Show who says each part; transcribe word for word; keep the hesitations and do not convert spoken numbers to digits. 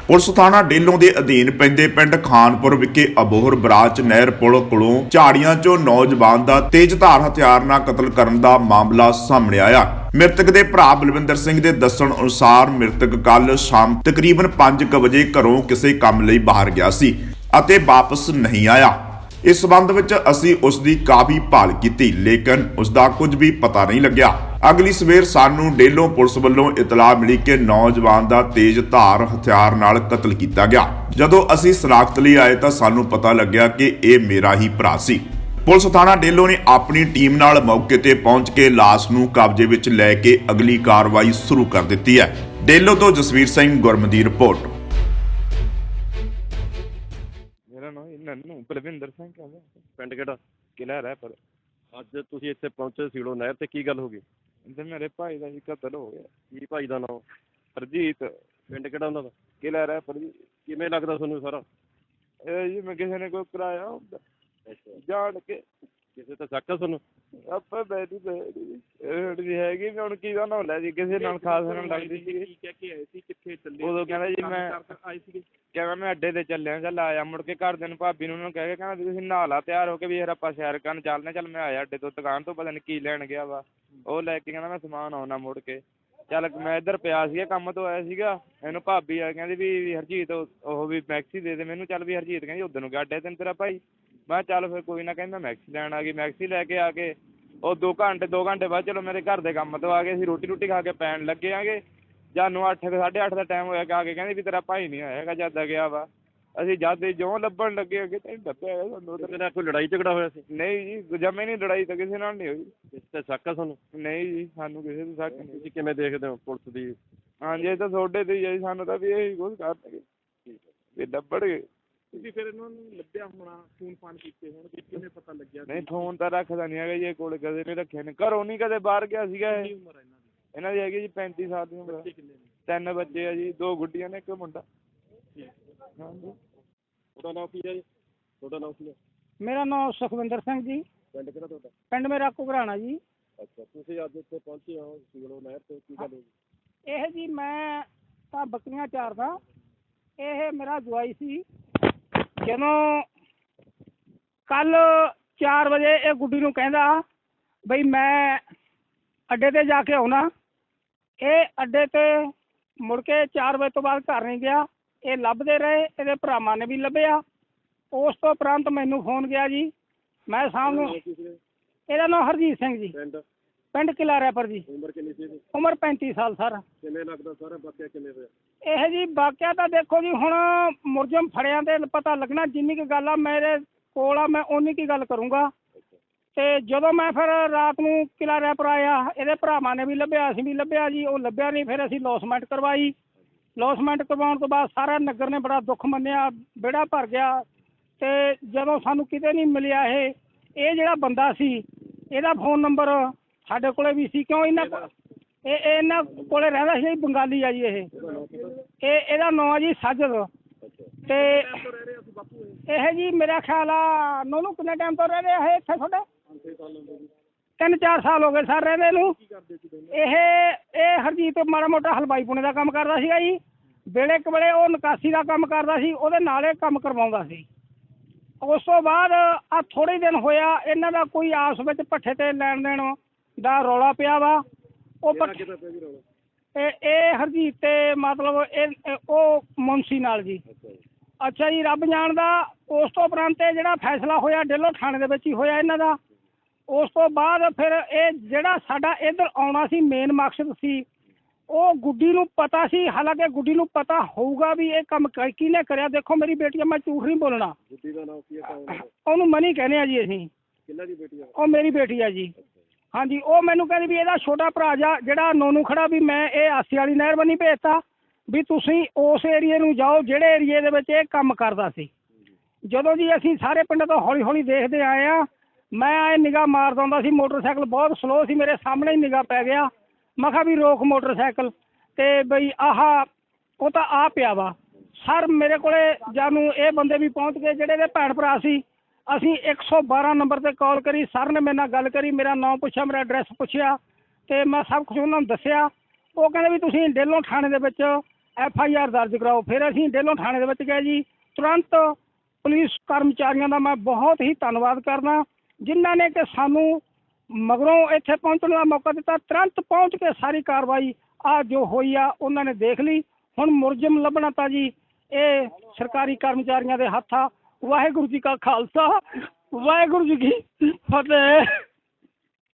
Speaker 1: Police ਥਾਣਾ ਡੇਲੋਂ ਦੇ ਅਧੀਨ ਪੈਂਦੇ ਪਿੰਡ ਖਾਨਪੁਰ ਵਿਖੇ ਅਬੋਹਰ ਬਰਾਚ ਨਹਿਰ ਪੁਲ ਕੋਲੋਂ ਝਾੜੀਆਂ 'ਚੋਂ ਨੌਜਵਾਨ ਦਾ ਤੇਜ਼ਧਾਰ ਹਥਿਆਰ ਨਾਲ ਕਤਲ ਕਰਨ ਦਾ ਮਾਮਲਾ ਸਾਹਮਣੇ ਆਇਆ। ਮ੍ਰਿਤਕ ਦੇ ਭਰਾ ਬਲਵਿੰਦਰ ਸਿੰਘ ਦੇ ਦੱਸਣ ਅਨੁਸਾਰ ਮ੍ਰਿਤਕ ਕੱਲ ਸ਼ਾਮ ਤਕਰੀਬਨ ਪੰਜ ਵਜੇ ਘਰੋਂ ਕਿਸੇ ਕੰਮ ਲਈ ਬਾਹਰ ਗਿਆ ਸੀ ਅਤੇ ਵਾਪਸ ਨਹੀਂ ਆਇਆ। ਇਸ ਸਬੰਧ ਵਿੱਚ ਅਸੀਂ ਉਸ ਦੀ ਕਾਫੀ ਭਾਲ ਕੀਤੀ, ਲੇਕਿਨ ਉਸ ਦਾ ਕੁਝ ਵੀ ਪਤਾ ਨਹੀਂ ਲੱਗਿਆ। ਅਗਲੀ ਸਵੇਰ ਸਾਨੂੰ ਡੇਲੋਂ ਪੁਲਿਸ ਵੱਲੋਂ ਇਤਲਾਹ ਮਿਲੀ ਕਿ ਨੌਜਵਾਨ ਦਾ ਤੇਜ਼ ਧਾਰ ਹਥਿਆਰ ਨਾਲ ਕਤਲ ਕੀਤਾ ਗਿਆ। ਜਦੋਂ ਅਸੀਂ ਸਨਾਖਤ ਲਈ ਆਏ ਤਾਂ ਸਾਨੂੰ ਪਤਾ ਲੱਗਿਆ ਕਿ ਇਹ ਮੇਰਾ ਹੀ ਭਰਾ ਸੀ। ਪੁਲਿਸ ਥਾਣਾ ਡੇਲੋਂ ਨੇ ਆਪਣੀ ਟੀਮ ਨਾਲ ਮੌਕੇ ਤੇ ਪਹੁੰਚ ਕੇ ਲਾਸ਼ ਨੂੰ ਕਬਜ਼ੇ ਵਿੱਚ ਲੈ ਕੇ ਅਗਲੀ ਕਾਰਵਾਈ ਸ਼ੁਰੂ ਕਰ ਦਿੱਤੀ ਹੈ। ਡੇਲੋਂ ਤੋਂ ਜਸਵੀਰ ਸਿੰਘ ਗੁਰਮ ਦੀ ਰਿਪੋਰਟ।
Speaker 2: ਨੰਨੂ ਬਲਵਿੰਦਰ ਸਿੰਘ ਕਹਿੰਦੇ
Speaker 3: ਪਿੰਡ ਕਿਹੜਾ?
Speaker 2: ਕਿਲ੍ਹਾ ਰਹਿ ਪਰ
Speaker 3: ਅੱਜ ਤੁਸੀਂ ਇੱਥੇ ਪਹੁੰਚੇ ਸੀੜੋ ਨਹਿਰ ਤੇ, ਕੀ ਗੱਲ ਹੋ ਗਈ?
Speaker 2: ਤੇ ਮੇਰੇ ਭਾਈ ਦਾ ਜੀ ਕਤਲ ਹੋ ਗਿਆ।
Speaker 3: ਕੀ ਭਾਈ ਦਾ ਨਾਮ?
Speaker 2: ਹਰਜੀਤ।
Speaker 3: ਪਿੰਡ ਕਿਹੜਾ ਉਹਨਾਂ ਦਾ?
Speaker 2: ਕਿਲ੍ਹਾ ਰਹਿ ਪਰ ਜੀ।
Speaker 3: ਕਿਵੇਂ ਲੱਗਦਾ ਤੁਹਾਨੂੰ ਸਾਰਾ?
Speaker 2: ਇਹ ਜੀ ਮੈਂ ਕਿਸੇ ਨੇ ਕੋਈ ਕਰਾਇਆ ਹੁੰਦਾ ਜਾਣ ਕੇ,
Speaker 3: ਕਿਸੇ ਤੇ ਸ਼ੱਕ ਆ ਤੁਹਾਨੂੰ?
Speaker 2: ਆਪਾਂ ਬੈਠੀ ਬੈਠੀ ਜੀ ਹੈਗੀ ਵੀ ਹੁਣ ਕੀ ਦਾ ਨਾ ਲੈ ਜੀ, ਕਿਸੇ ਨਾਲ ਖਾਸ ਨਾਲ ਲੱਗਦੀ ਸੀ।
Speaker 3: ਕੀ ਕਹਿ ਕੇ ਆਏ ਸੀ? ਕਿੱਥੇ ਚੱਲੇ?
Speaker 2: ਉਦੋਂ ਕਹਿੰਦਾ ਜੀ ਮੈਂ
Speaker 3: ਆਏ ਸੀਗੇ,
Speaker 2: ਕਹਿੰਦਾ ਮੈਂ ਅੱਡੇ ਤੇ ਚੱਲਿਆ, ਚੱਲ ਆਇਆ। ਮੁੜ ਕੇ ਘਰਦਿਆਂ ਨੂੰ ਭਾਬੀ ਨੂੰ ਉਹਨਾਂ ਨੂੰ ਕਹਿ ਕੇ ਕਹਿੰਦਾ ਤੁਸੀਂ ਨਹਾ ਲਾ ਤਿਆਰ ਹੋ ਕੇ ਵੀ ਯਾਰ ਆਪਾਂ ਸੈਰ ਕਰਨ ਚੱਲਦੇ। ਚੱਲ ਮੈਂ ਆਇਆ ਅੱਡੇ ਤੋਂ, ਦੁਕਾਨ ਤੋਂ ਪਤਾ ਨਹੀਂ ਕੀ ਲੈਣ ਗਿਆ ਵਾ, ਉਹ ਲੈ ਕੇ ਕਹਿੰਦਾ ਮੈਂ ਸਮਾਨ ਆਉਣਾ ਮੁੜ ਕੇ। ਚੱਲ ਮੈਂ ਇੱਧਰ ਪਿਆ ਸੀਗਾ, ਕੰਮ ਤੋਂ ਆਇਆ ਸੀਗਾ। ਇਹਨੂੰ ਭਾਬੀ ਆ ਕਹਿੰਦੀ ਵੀ ਹਰਜੀਤ ਉਹ ਵੀ ਮੈਕਸੀ ਦੇ ਦੇ ਮੈਨੂੰ। ਚੱਲ ਵੀ ਹਰਜੀਤ ਕਹਿੰਦੀ ਉੱਧਰ ਨੂੰ ਗਿਆ ਅੱਡੇ ਤੈਨੂੰ ਤੇਰਾ ਭਾਈ। ਮੈਂ ਚੱਲ ਫਿਰ ਕੋਈ ਨਾ, ਕਹਿੰਦਾ ਮੈਕਸੀ ਲੈਣ ਆ ਗਈ। ਮੈਕਸੀ ਲੈ ਕੇ ਆ ਕੇ ਉਹ ਦੋ ਘੰਟੇ ਦੋ ਘੰਟੇ ਬਾਅਦ ਚਲੋ ਮੇਰੇ ਘਰ ਦੇ ਕੰਮ ਤੋਂ ਆ ਗਏ। ਅਸੀਂ ਰੋਟੀ ਰੋਟੀ ਖਾ ਕੇ ਪੈਣ ਲੱਗੇ ਆਂਗੇ। ਜਾਨੂੰ ਅੱਠ ਸਾਢੇ ਅੱਠ ਦਾ ਟਾਈਮ ਹੋਇਆ ਕਿ ਆ ਕੇ ਕਹਿੰਦੇ ਵੀ ਤੇਰਾ ਭਾਈ ਨਹੀਂ ਆਇਆ ਹੈਗਾ, ਜਦ ਗਿਆ ਵਾ। ਅਸੀਂ ਜਦ ਜਿਉਂ ਲੱਭਣ ਲੱਗੇ ਅੱਗੇ ਤੈਨੂੰ ਲੱਭਿਆ ਹੈਗਾ ਸਾਨੂੰ।
Speaker 3: ਉਹਦੇ ਨਾਲ ਕੋਈ ਲੜਾਈ ਝਗੜਾ ਹੋਇਆ ਸੀ?
Speaker 2: ਨਹੀਂ ਜੀ, ਜਮੇ ਨਹੀਂ ਲੜਾਈ ਤਾਂ ਕਿਸੇ ਨਾਲ ਨਹੀਂ ਹੋਈ।
Speaker 3: ਕਿਸੇ ਤੇ ਸ਼ੱਕ ਆ ਤੁਹਾਨੂੰ?
Speaker 2: ਨਹੀਂ ਜੀ, ਸਾਨੂੰ ਕਿਸੇ ਤੇ ਸ਼ੱਕ ਨਹੀਂ।
Speaker 3: ਤੁਸੀਂ ਕਿਵੇਂ ਦੇਖਦੇ ਹੋ ਪੁਲਿਸ ਦੀ?
Speaker 2: ਹਾਂਜੀ ਇਹ ਤਾਂ ਤੁਹਾਡੇ ਤੇ ਹੀ ਹੈ ਜੀ, ਸਾਨੂੰ ਤਾਂ ਵੀ ਇਹੀ ਕੁਛ ਕਰਨਗੇ ਵੀ ਲੱਭਣਗੇ।
Speaker 3: ਤੁਸੀਂ ਫਿਰ ਇਹਨਾਂ ਨੂੰ ਲੱਭਿਆ ਹੋਣਾ, ਫੋਨ ਫਾਨ ਕੀਤੇ ਹੋਣਗੇ, ਕਿਵੇਂ ਪਤਾ ਲੱਗਿਆ?
Speaker 2: ਨਹੀਂ ਫੋਨ ਤਾਂ ਰੱਖਦਾ ਨਹੀਂ ਹੈਗਾ ਜੀ, ਇਹ ਕੋਲ ਕਦੇ ਨਹੀਂ ਰੱਖਿਆ ਨੇ, ਘਰੋਂ ਨਹੀਂ ਕਦੇ ਬਾਹਰ ਗਿਆ ਸੀਗਾ ਇਹ।
Speaker 3: ਕੀ ਉਮਰ ਹੈ ਇਹਨਾਂ ਦੀ?
Speaker 2: ਇਹਨਾਂ ਦੀ ਹੈਗੀ ਜੀ ਪੈਂਤੀ ਸਾਲ ਦੀ ਉਮਰ।
Speaker 3: ਬੱਚੇ ਕਿੰਨੇ ਨੇ?
Speaker 2: ਤਿੰਨ ਬੱਚੇ ਆ ਜੀ, ਦੋ ਗੁੱਡੀਆਂ ਨੇ ਇੱਕ ਮੁੰਡਾ। ਹਾਂਜੀ।
Speaker 3: ਤੁਹਾਡਾ ਨਾਮ ਕੀ ਹੈ ਜੀ? ਤੁਹਾਡਾ ਨਾਮ ਕੀ ਹੈ?
Speaker 4: ਮੇਰਾ ਨਾਮ ਸੁਖਵਿੰਦਰ ਸਿੰਘ ਜੀ।
Speaker 3: ਪਿੰਡ ਕਿਹੜਾ ਤੁਹਾਡਾ?
Speaker 4: ਪਿੰਡ ਮੇਰਾ ਘੁਗਰਾਣਾ ਜੀ।
Speaker 3: ਅੱਛਾ, ਤੁਸੀਂ ਅੱਜ ਇੱਥੇ ਪਹੁੰਚੇ ਹੋ ਸੀੜੋ ਨਹਿਰ ਤੇ, ਕੀ ਗੱਲ ਹੋਈ?
Speaker 4: ਇਹ ਜੀ ਮੈਂ ਤਾਂ ਬੱਕਰੀਆਂ ਚਾਰਦਾ। ਇਹ ਮੇਰਾ ਜਵਾਈ ਸੀ। ਜਦੋਂ ਕੱਲ ਚਾਰ ਵਜੇ ਇਹ ਗੁੱਡੀ ਨੂੰ ਕਹਿੰਦਾ ਬਈ ਮੈਂ ਅੱਡੇ ਤੇ ਜਾ ਕੇ ਆਉਣਾ। ਇਹ ਅੱਡੇ ਤੇ ਮੁੜ ਕੇ ਚਾਰ ਵਜੇ ਤੋਂ ਬਾਅਦ ਘਰ ਨਹੀਂ ਗਿਆ। ਇਹ ਲੱਭਦੇ ਰਹੇ, ਇਹਦੇ ਭਰਾਵਾਂ ਨੇ ਵੀ ਲੱਭਿਆ। ਉਸ ਤੋਂ ਉਪਰੰਤ ਮੈਨੂੰ ਫੋਨ ਗਿਆ ਜੀ। ਮੈਂ ਸ਼ਾਮ ਨੂੰ, ਇਹਦਾ ਨਾਮ ਹਰਜੀਤ ਸਿੰਘ ਜੀ,
Speaker 3: ਪਿੰਡ
Speaker 4: ਪਿੰਡ ਕਿਲ੍ਹਾ ਰੈਪਰ ਜੀ।
Speaker 3: ਉਮਰ ਕਿੰਨੀ ਸੀ ਇਹਦੀ?
Speaker 4: ਉਮਰ ਪੈਂਤੀ ਸਾਲ ਸਰ।
Speaker 3: ਕਿਵੇਂ ਲੱਗਦਾ ਸਾਰਾ ਵਾਕਿਆ ਕਿਵੇਂ ਹੋਇਆ?
Speaker 4: ਇਹ ਜੀ ਵਾਕਿਆ ਤਾਂ ਦੇਖੋ ਜੀ ਹੁਣ ਮੁਲਜ਼ਮ ਫੜਿਆਂ ਦੇ ਪਤਾ ਲੱਗਣਾ। ਜਿੰਨੀ ਕੁ ਗੱਲ ਆ ਮੇਰੇ ਕੋਲ ਆ ਮੈਂ ਓਨੀ ਕੀ ਗੱਲ ਕਰੂੰਗਾ। ਤੇ ਜਦੋਂ ਮੈਂ ਫਿਰ ਰਾਤ ਨੂੰ ਕਿਲ੍ਹਾ ਰੈਪਰ ਆਇਆ, ਇਹਦੇ ਭਰਾਵਾਂ ਨੇ ਵੀ ਲੱਭਿਆ, ਅਸੀਂ ਵੀ ਲੱਭਿਆ ਜੀ। ਉਹ ਲੱਭਿਆ ਨਹੀਂ, ਫਿਰ ਅਸੀਂ ਲੌਸਮੈਂਟ ਕਰਵਾਈ। ਲੌਸਮੈਂਟ ਕਰਵਾਉਣ ਤੋਂ ਬਾਅਦ ਸਾਰਾ ਨਗਰ ਨੇ ਬੜਾ ਦੁੱਖ ਮੰਨਿਆ, ਵਿਹੜਾ ਭਰ ਗਿਆ। ਤੇ ਜਦੋਂ ਸਾਨੂੰ ਕਿਤੇ ਨਹੀਂ ਮਿਲਿਆ ਇਹ ਇਹ ਜਿਹੜਾ ਬੰਦਾ ਸੀ, ਇਹਦਾ ਫੋਨ ਨੰਬਰ ਸਾਡੇ ਕੋਲੇ ਵੀ ਸੀ। ਕਿਉਂ ਇਹਨਾਂ ਇਹ ਇਹਨਾਂ ਕੋਲੇ ਰਹਿੰਦਾ ਸੀ, ਬੰਗਾਲੀ ਆ ਜੀ। ਇਹ ਇਹ ਇਹਦਾ ਨਾਂ ਜੀ ਸਾਜਦ। ਤੇ ਇਹ ਜੀ ਮੇਰਾ ਖਿਆਲ ਆ ਨੋਨੂੰ ਕਿੰਨੇ ਟਾਈਮ ਤੋਂ ਰਹਿ ਰਿਹਾ ਹੈ ਇੱਥੇ ਤੁਹਾਡੇ? ਤਿੰਨ ਚਾਰ ਸਾਲ ਹੋ ਗਏ ਸਰ ਰਹਿੰਦੇ ਨੂੰ। ਇਹ ਇਹ ਹਰਜੀਤ ਮਾੜਾ ਮੋਟਾ ਹਲਵਾਈ ਪੁਣੇ ਦਾ ਕੰਮ ਕਰਦਾ ਸੀਗਾ ਜੀ। ਵੇਲੇ ਕੁ ਵੇਲੇ ਉਹ ਨਿਕਾਸੀ ਦਾ ਕੰਮ ਕਰਦਾ ਸੀ, ਉਹਦੇ ਨਾਲ ਇਹ ਕੰਮ ਕਰਵਾਉਂਦਾ ਸੀ। ਉਸ ਤੋਂ ਬਾਅਦ ਆ ਥੋੜ੍ਹੇ ਦਿਨ ਹੋਇਆ ਇਹਨਾਂ ਦਾ ਕੋਈ ਆਪਸ ਵਿੱਚ ਭੱਠੇ ਤੇ ਲੈਣ ਦੇਣ ਦਾ ਰੌਲਾ ਪਿਆ ਵਾ। ਉਹ ਭੱਠੇ ਇਹ ਇਹ ਹਰਜੀਤ ਤੇ ਮਤਲਬ ਇਹ ਉਹ ਮੁਨਸੀ ਨਾਲ ਜੀ। ਅੱਛਾ ਜੀ, ਰੱਬ ਜਾਣਦਾ। ਉਸ ਤੋਂ ਉਪਰੰਤ ਇਹ ਜਿਹੜਾ ਫੈਸਲਾ ਹੋਇਆ ਡੇਲੋਂ ਥਾਣੇ ਦੇ ਵਿੱਚ ਹੀ ਹੋਇਆ ਇਹਨਾਂ ਦਾ। ਉਸ ਤੋਂ ਬਾਅਦ ਫਿਰ ਇਹ ਜਿਹੜਾ ਸਾਡਾ ਇੱਧਰ ਆਉਣਾ ਸੀ ਮੇਨ ਮਕਸਦ ਸੀ, ਉਹ ਗੁੱਡੀ ਨੂੰ ਪਤਾ ਸੀ। ਹਾਲਾਂਕਿ ਗੁੱਡੀ ਨੂੰ ਪਤਾ ਹੋਊਗਾ ਵੀ ਇਹ ਕੰਮ ਕਿਹਨੇ ਕਰਿਆ। ਦੇਖੋ ਮੇਰੀ ਬੇਟੀ ਆ, ਮੈਂ ਝੂਠ ਨਹੀਂ ਬੋਲਣਾ।
Speaker 3: ਗੁੱਡੀ ਦਾ ਨਾਮ ਕੀ ਹੈ?
Speaker 4: ਉਹਨੂੰ ਮਨੀ ਕਹਿੰਦੇ ਆ ਜੀ ਅਸੀਂ।
Speaker 3: ਕਿੰਨਾ ਦੀ ਬੇਟੀ ਆ?
Speaker 4: ਉਹ ਮੇਰੀ ਬੇਟੀ ਆ ਜੀ। ਹਾਂਜੀ, ਉਹ ਮੈਨੂੰ ਕਹਿੰਦੀ ਵੀ ਇਹਦਾ ਛੋਟਾ ਭਰਾ ਜਾ ਜਿਹੜਾ ਨੋਨੂੰ ਖੜਾ ਵੀ ਮੈਂ ਇਹ ਆਸੀ ਵਾਲੀ ਨਹਿਰ ਬੰਨੀ ਭੇਜਤਾ ਵੀ ਤੁਸੀਂ ਉਸ ਏਰੀਏ ਨੂੰ ਜਾਓ ਜਿਹੜੇ ਏਰੀਏ ਦੇ ਵਿੱਚ ਇਹ ਕੰਮ ਕਰਦਾ ਸੀ। ਜਦੋਂ ਜੀ ਅਸੀਂ ਸਾਰੇ ਪਿੰਡ ਤੋਂ ਹੌਲੀ ਹੌਲੀ ਦੇਖਦੇ ਆਏ ਆ, ਮੈਂ ਆਏ ਨਿਗਾਹ ਮਾਰਦਾ ਹੁੰਦਾ ਸੀ। ਮੋਟਰਸਾਈਕਲ ਬਹੁਤ ਸਲੋਅ ਸੀ, ਮੇਰੇ ਸਾਹਮਣੇ ਹੀ ਨਿਗਾਹ ਪੈ ਗਿਆ। ਮੈਂ ਕਿਹਾ ਵੀ ਰੋਕ ਮੋਟਰਸਾਈਕਲ। ਤੇ ਬਈ ਆਹ ਉਹ ਤਾਂ ਆ ਪਿਆ ਵਾ ਸਰ ਮੇਰੇ ਕੋਲੇ। ਜਾਨੂੰ ਇਹ ਬੰਦੇ ਵੀ ਪਹੁੰਚ ਗਏ ਜਿਹੜੇ ਇਹਦੇ ਭੈਣ ਭਰਾ ਸੀ। ਅਸੀਂ ਇੱਕ ਸੌ ਬਾਰਾਂ ਨੰਬਰ 'ਤੇ ਕਾਲ ਕਰੀ। ਸਰ ਨੇ ਮੇਰੇ ਨਾਲ ਗੱਲ ਕਰੀ, ਮੇਰਾ ਨਾਮ ਪੁੱਛਿਆ, ਮੇਰਾ ਐਡਰੈਸ ਪੁੱਛਿਆ, ਅਤੇ ਮੈਂ ਸਭ ਕੁਛ ਉਹਨਾਂ ਨੂੰ ਦੱਸਿਆ। ਉਹ ਕਹਿੰਦੇ ਵੀ ਤੁਸੀਂ ਡੇਲੋਂ ਥਾਣੇ ਦੇ ਵਿੱਚ ਐਫ ਆਈ ਆਰ ਦਰਜ ਕਰਾਓ। ਫਿਰ ਅਸੀਂ ਡੇਲੋਂ ਥਾਣੇ ਦੇ ਵਿੱਚ ਗਏ ਜੀ। ਤੁਰੰਤ ਪੁਲਿਸ ਕਰਮਚਾਰੀਆਂ ਦਾ ਮੈਂ ਬਹੁਤ ਹੀ ਧੰਨਵਾਦ ਕਰਦਾ ਜਿਨ੍ਹਾਂ ਨੇ ਕਿ ਸਾਨੂੰ ਮਗਰੋਂ ਇੱਥੇ ਪਹੁੰਚਣ ਦਾ ਮੌਕਾ ਦਿੱਤਾ। ਤੁਰੰਤ ਪਹੁੰਚ ਕੇ ਸਾਰੀ ਕਾਰਵਾਈ ਆ ਜੋ ਹੋਈ ਆ ਉਹਨਾਂ ਨੇ ਦੇਖ ਲਈ। ਹੁਣ ਮੁਲਜ਼ਮ ਲੱਭਣਾ ਤਾਂ ਜੀ ਇਹ ਸਰਕਾਰੀ ਕਰਮਚਾਰੀਆਂ ਦੇ ਹੱਥ ਆ। ਵਾਹਿਗੁਰੂ ਜੀ ਕਾ ਖਾਲਸਾ, ਵਾਹਿਗੁਰੂ ਜੀ ਕੀ ਫਤਿਹ।